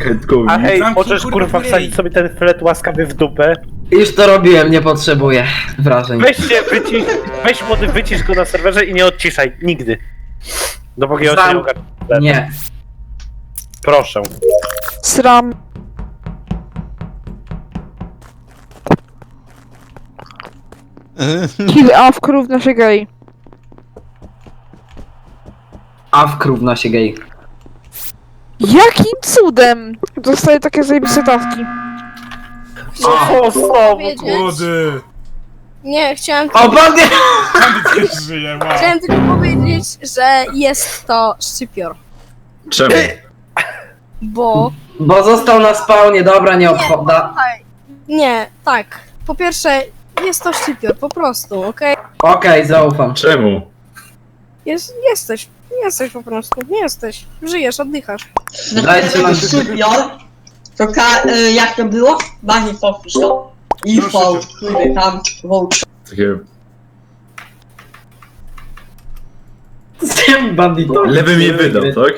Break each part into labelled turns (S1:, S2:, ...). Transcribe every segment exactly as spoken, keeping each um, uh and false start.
S1: Kajtkowi.
S2: A hej,
S3: Zamknij,
S2: możesz
S3: kurwa,
S2: kurwa
S3: ryj.
S2: wsadzić sobie ten flet łaskawy w dupę.
S4: Już to robiłem, nie potrzebuję wrażeń.
S2: Weź się, wycisz, weź młody, wycisz go na serwerze i nie odciszaj, nigdy. Dopóki on się nie
S4: Znam.
S2: ogarnie.
S4: Nie.
S2: Proszę.
S5: Sram. Kill Awk równa się gej.
S4: A w krówna się gej.
S5: Jakim cudem dostaję takie zajebiste taski?
S2: O, o, znowu.
S3: Młody!
S6: Nie, chciałem,
S4: O, bandy!
S3: Bandyt też żyje, wow.
S6: chciałem tylko powiedzieć, że jest to szczypior.
S1: Czemu?
S6: Bo...
S4: Bo został na spawnie, dobra, nie
S6: Nie,
S4: obchoda.
S6: posłuchaj. Nie, tak. Po pierwsze, jest to szczypior, po prostu, okej?
S4: Okej, zaufam.
S1: Czemu?
S6: Jest, jesteś, jesteś po prostu, nie jesteś. Żyjesz, oddychasz.
S4: Dajcie nam
S7: Szczypior, to ka- y, jak to było? Bani powtórz to. I
S3: Proszę
S7: V,
S3: cię.
S7: który tam wołcz.
S1: Takie...
S4: z tym banditom.
S1: Lewy mi wydał, tak?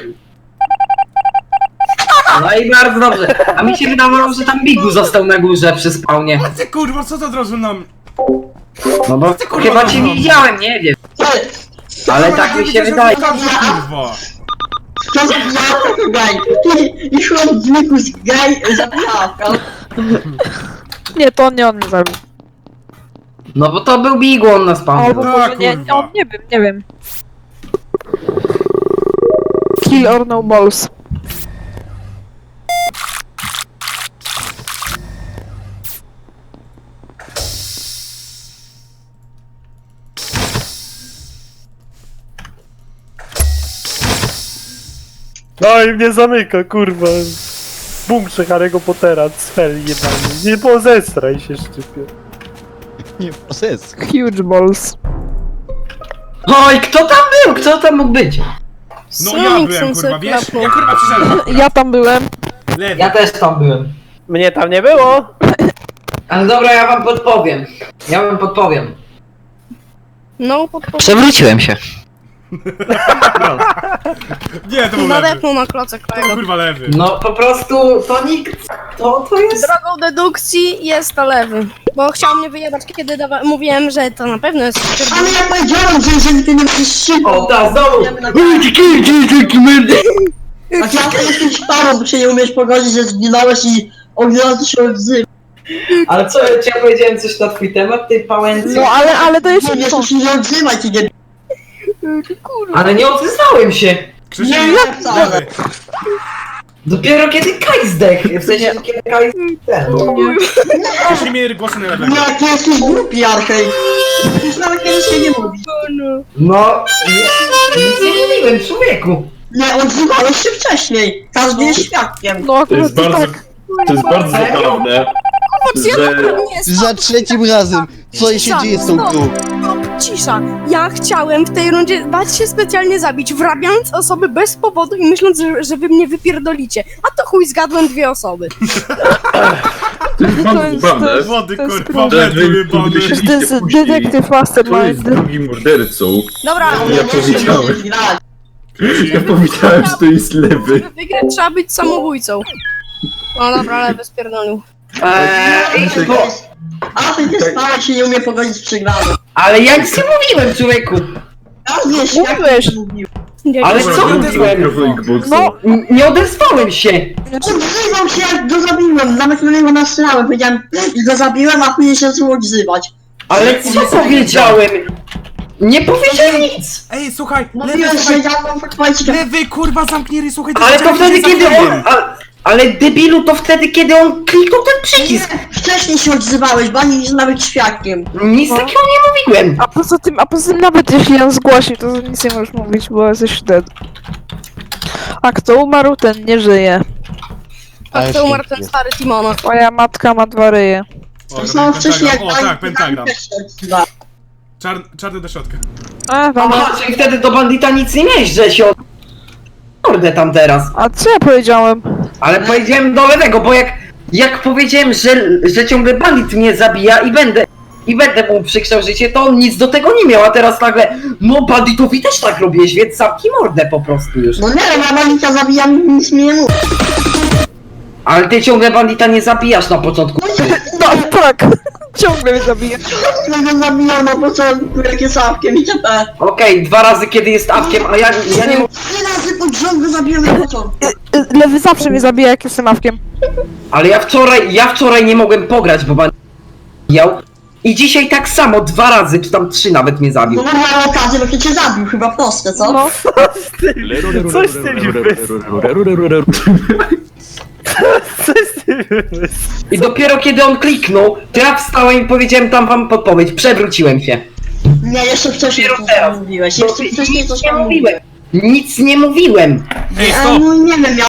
S4: No i bardzo dobrze. A mi się wydawało, że tam Bigu został na górze przy spawnie.
S3: A ty kurwa, co to od razu nam...
S4: No bo
S3: Ty, kurwa,
S4: chyba cię
S3: no.
S4: nie widziałem, nie wiem.
S7: Ty,
S4: Ale
S3: Kurwa,
S4: tak
S3: nie
S4: mi się
S3: wiedziałem,
S4: wydaje.
S3: że to dobrze, kurwa.
S7: kto zabijał tego gaj? Ty, i chłop zwykły z gaj zabijał,
S5: Nie, to nie on mnie zabił.
S4: No bo to był Bigu, on na spawnie.
S5: Albo
S3: Tak,
S5: może nie,
S3: kurwa.
S5: on nie wiem, nie wiem. Kill or no balls.
S2: No i mnie zamyka, kurwa. W bunkrze Harry'ego Pottera, cfel jebany. Nie pozestraj się, szczypior.
S8: Nie process.
S5: Huge balls.
S4: Oj, kto tam był? Kto tam mógł być?
S3: No ja byłem, kurwa, wiesz? Ja kurwa przyszedłem.
S5: Ja tam byłem.
S3: Lewy.
S4: Ja też tam byłem.
S2: Mnie tam nie było.
S4: Ale dobra, ja wam podpowiem. Ja wam podpowiem.
S6: No, po prostu
S4: Przewróciłem się.
S3: Nie, to był lewy.
S6: nadepnął na klocek
S3: To
S6: tego.
S3: kurwa lewy.
S4: No po prostu to nikt. To, to jest.
S6: Drogą dedukcji jest to lewy. Bo chciał mnie wyjebać, kiedy dawa- mówiłem, że to na pewno jest szczypior.
S7: Ale ja powiedziałem, że jeżeli ty nie będziesz szybko,
S4: O, ta znowu!
S7: idziemy na-
S4: Myrdy!
S7: a ty jak jesteś parą, bo się nie umiesz pogodzić, że zginąłeś i od razu się odzywasz.
S4: Ale co, czy ja powiedziałem coś na twój temat, tej pałęcy?
S5: No ale, ale to jest
S7: Nie wiesz, się nie odzywaj, ty nie...
S4: Ale nie odzyskałem się!
S3: Krzysiek,
S7: Nie, jak wcale.
S3: lewy.
S4: Dopiero kiedy Kaj zdechł, w sensie kiedy Kaj ten.
S3: Krzysiek mieli głosy na lewego.
S7: Nie, ty jesteś głupi, Arkej. Już nawet kiedyś się nie mówi.
S4: No, nie, nic nie mówiłem, człowieku.
S7: Nie, odzywałeś się wcześniej. Każdy jest świadkiem.
S5: No
S1: To jest
S5: akurat
S1: bardzo...
S5: tak.
S1: To jest bardzo zabawne, że...
S6: Nie,
S8: Za trzecim razem! Co się
S6: Cisza,
S8: dzieje z tą
S6: stop.
S8: grą?
S6: Cisza. Ja chciałem w tej rundzie bać się specjalnie zabić, wrabiając osoby bez powodu i myśląc, że, że wy mnie wypierdolicie. A to chuj, zgadłem dwie osoby.
S1: To jest bardzo
S5: jest-
S1: zabawne,
S3: Wody,
S5: To jest
S3: kurwa,
S5: kurwa.
S1: że
S3: lewy
S1: wy
S3: jebany.
S1: byliście
S5: To jest
S1: później.
S5: detektyw
S1: Kto jest
S5: mastermind.
S1: drugim mordercą?
S6: Dobra,
S1: Ja powiedziałem.
S7: Grać.
S1: Ja powiedziałem, że to jest lewy.
S6: żeby wygrać trzeba być samobójcą. O dobra, lewy spierdolił.
S4: Eee,
S7: Nie,
S4: bo,
S7: A ty nie spałeś się nie umie pogodzić z przegraną.
S4: ale ja nic nie mówiłem, człowieku.
S7: Każdy jest
S5: Mówiłeś.
S7: świadkiem, mówił.
S4: Ale
S6: Dzięki.
S4: co mówiłem?
S5: No,
S4: N- Nie odezwałem się.
S7: Odzywał się jak go zabiłem, nawet na niego nastrzelałem, powiedziałem i go zabiłem, a później się zaczął odzywać.
S4: Ale co powiedziałem? Nie powiedziałem nic.
S3: Ej, słuchaj, lewy,
S7: Mówiłem, że
S3: słuchaj.
S7: ja mam powiedzieć,
S3: Lewy, kurwa, zamknij ryj, słuchaj.
S4: Ale to
S3: jest
S4: wtedy kiedy on...
S3: zabiłem.
S4: A, ale debilu to wtedy kiedy on kliknął ten przycisk.
S7: wcześniej się odzywałeś, bo ani jest nawet świadkiem.
S4: Nic takiego nie mówiłem.
S5: a poza tym, a poza tym nawet jeśli on zgłosił, to nic nie możesz mówić, bo jesteś dead. A kto umarł, ten nie żyje.
S6: A kto umarł ten stary Timona?
S5: Moja matka ma dwa ryje.
S3: O,
S7: To
S3: robię
S7: samo wcześniej jak
S3: pentagram. O tak, pentagram.
S7: też się odzywała.
S3: Czar, czarny do środka.
S5: A, dobra.
S4: Aha, czyli wtedy do bandita nic nie miałeś, że się od... Mordę tam teraz.
S5: A co ja powiedziałem?
S4: Ale powiedziałem do lewego, bo jak... Jak powiedziałem, że, że ciągle bandit mnie zabija i będę... I będę mu przykrzał życie, to on nic do tego nie miał, a teraz nagle... No banditowi też tak robisz, więc zamknij mordę po prostu już.
S7: No nie, ja Malika zabijam, nic mi nie mówi.
S4: Ale ty ciągle bandita nie zabijasz na początku.
S5: No tak, ciągle mnie zabija.
S7: Ja go zabijam na początku, jak jest awkiem i itp.
S4: Okej, dwa razy kiedy jest awkiem, a ja, ja nie mogę...
S7: Trzy razy pod rząd go zabiłem na początku.
S5: Y, Lewy zawsze mnie zabija, jak jestem awkiem.
S4: Ale ja wczoraj, ja wczoraj nie mogłem pograć, bo bandit zabijał. I dzisiaj tak samo, dwa razy, czy tam trzy nawet mnie zabił.
S7: No miałem okazję, bo cię zabił, chyba proste, co?
S5: No.
S2: Coś z tymi wymysł. Coś z tymi wymysł.
S4: I dopiero kiedy on kliknął, to ja wstałem i powiedziałem tam wam podpowiedź, przewróciłem się.
S7: Nie, jeszcze wcześniej
S4: Dopiero
S7: coś
S4: teraz.
S7: tam mówiłeś, jeszcze wcześniej coś
S4: nie
S7: tam
S4: mówiłem. Nic nie mówiłem.
S3: Ej,
S7: A,
S3: stop!
S7: no nie wiem, ja